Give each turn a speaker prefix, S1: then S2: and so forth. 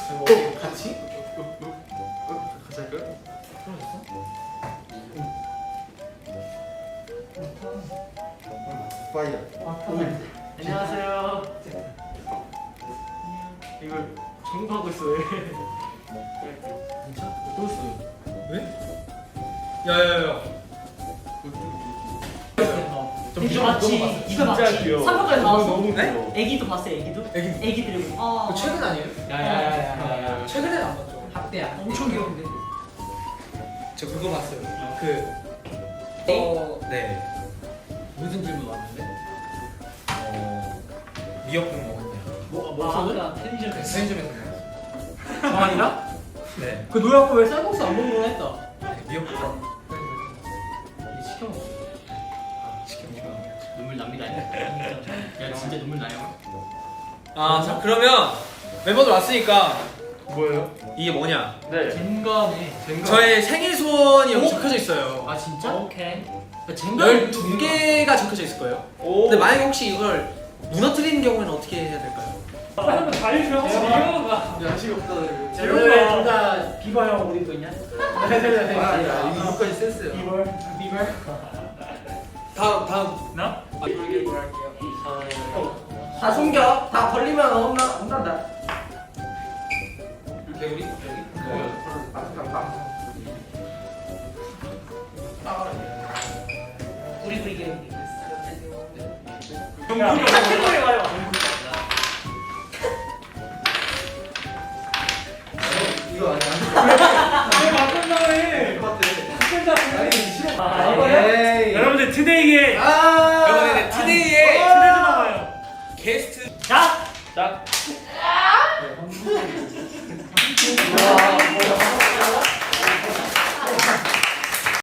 S1: 같이? 같이 할까요? 파이어.
S2: 안녕하세요. 이걸 정보하고 있어 왜? 진짜? 또 있어요.
S1: 왜? 야야야.
S2: 이거 맞지? 이거 맞지?
S1: 귀여워.
S2: 3번까지 나왔어.
S1: 너무
S3: 네?
S1: 귀여워.
S2: 애기도 봤어요 애기도? 애기들이
S3: 그 최근 아니에요?
S2: 야야야야야
S3: 최근엔 안 봤죠.
S2: 학대야 엄청 귀여운데
S3: 저 그거 봤어요. 그 네.
S2: 무슨 질문 왔는데?
S3: 미역국 먹었네요.
S2: 아까 편의점에서
S3: 편의점에서 먹었어요.
S2: 정한이랑?
S3: 네.
S2: 그 노래하고 왜 쌀국수 안 먹는 거 했다
S3: 미역국
S2: 시켜 먹어
S3: 시켜먹고.
S2: 눈물 납니다 야 진짜 눈물 나요
S3: 자 그러면 멤버들 왔으니까
S1: 뭐예요?
S3: 이게 뭐냐?
S1: 네.
S2: 젠가네
S3: 저의 생일 소원이 여기 적혀져 있어요.
S2: 아 진짜? 오케이 젠가
S3: 12개가 적혀져 있을 거예요.
S1: 오.
S3: 근데 만약에 혹시 이걸 무너뜨리는 경우에는 어떻게 해야 될까요?
S2: 한번 다 해줘 재료가
S1: 야식 없다.
S2: 재료가 둘다 비버 형 옷 입고 있냐?
S1: 아니야. 이거까지 센스야.
S2: 비버
S3: 다음.
S2: 나?
S3: 이렇게 뭐 할게요.
S2: 다 숨겨 다 걸리면 혼난다
S3: 개구리?
S2: 우리 개구리
S1: 야,
S2: 개구리 말해봐
S1: 이거 아니야.
S2: 왜 바꾼다고 해
S1: 아니 싫어.
S2: 에이.
S4: 여러분들 투데이에
S3: 여러분들 투데이에
S4: 초대도 나와요.
S3: 게스트
S2: 자!
S1: 자.
S2: 와.